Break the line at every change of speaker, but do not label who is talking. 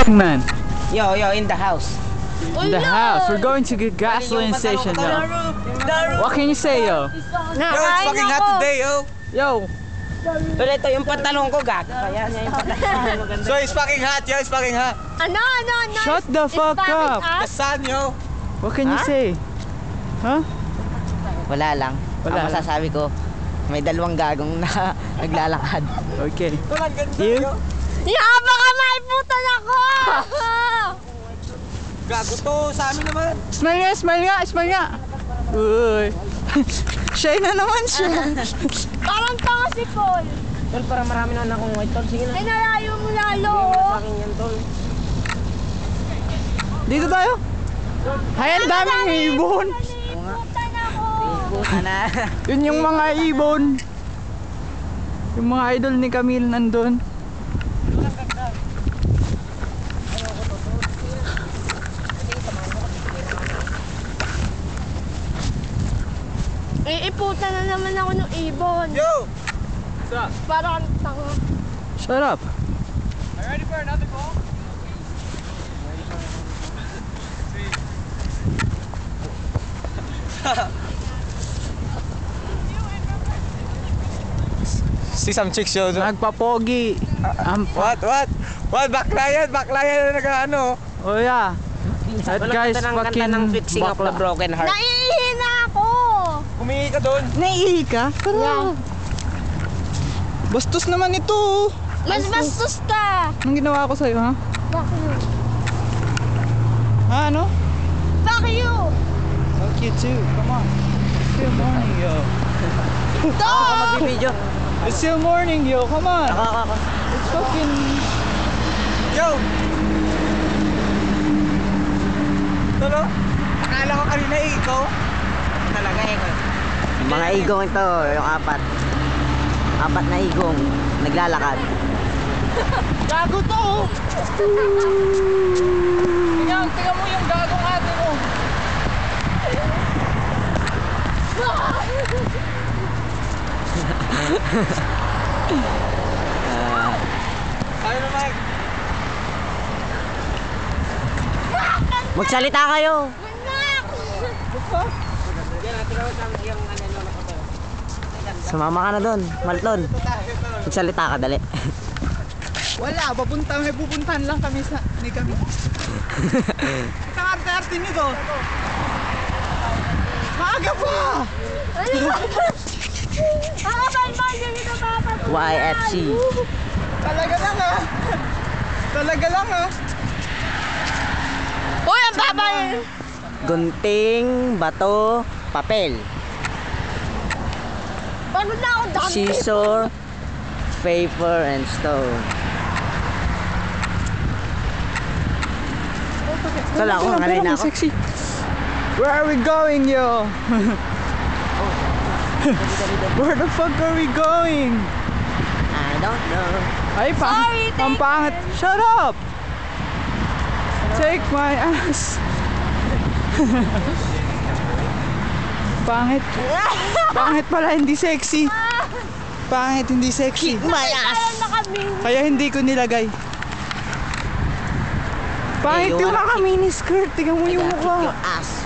man?
Yo, in the house.
In the house. We're going to get gasoline station, yo. What can you say, yo?
Yo, it's fucking hot today, yo.
Yo.
Pero ito yung pantalon ko, gag. Kaya niya yung pantalon. So it's fucking hot, yo. It's fucking hot.
Ano?
Shut the fuck up.
The sun, yo.
What can you say? Huh?
Wala lang.
Wala
Ang masasabi ko, may dalawang gagong na naglalakad.
Okay.
Walang ganda,
You?
yo.
Yeah, baka maiputan ako!
Gago to sa amin naman.
Smile nga. Uy. Shy na naman siya.
Parang tanga si Paul.
Tol, para marami na akong white, tol. Sige na.
Ay, nalayo mo lalo.
Sige mo na sa akin yan, tol.
Dito tayo. Hay, ang daming ibon.
Naiputan ako.
Puta na.
Yun yung mga ibon. Yung mga idol ni Camille nandun.
Iiputan na naman ako ng ibon.
Yo!
Parang tanga.
Shut up.
Are you ready for another call? See some chicks, yo.
Nagpapogi.
What? Baklayan na nag-ano.
Oh yeah. That guy's fucking
ng fixing of the
bakla.
broken heart.
Naiihi na ako.
Humingi ka doon.
Naiihi ka? Pero bastos naman ito.
Mas bastos ka.
Anong ginawa ko sa'yo, ha?
Fuck you.
Ha, ano?
Fuck you.
Fuck you too. Come on. It's still morning, yo.
Mag-video.
It's still morning, yo. Come on.
Ako.
It's fucking...
Yo! Tolo? Akala ko kanina ikaw. Talaga ikaw. Mga igong ito, yung apat. Apat na igong naglalakad.
Gago to, oh. Tingnan mo yung gagong ate mo.
Ano naman? Magsalita kayo. Sumama ka na doon, Malton. Magsalita ka, dali.
Wala, may pupuntahan lang kami ni kami. Itang arte-arte nito. Maaga pa!
YFC.
Talaga lang, ha? Talaga lang, ha?
Uy, ang babay.
Gunting, bato, papel.
Pagod na ako dami.
Scissor, paper, and stone. Ito lang ako, hangalay na ako.
Sexy. Where are we going, yo? Where the fuck are we going?
I don't know.
Ay,
Sorry, take
pampangit. Shut up! Take my ass. Pangit. Pangit pala, hindi sexy. Pangit, hindi sexy.
My ass!
Kaya na kami.
Kaya hindi ko nilagay. Pangit
you
yung
wanna
naka mini skirt. Tingnan mo yung
Kick
mukha.
your ass.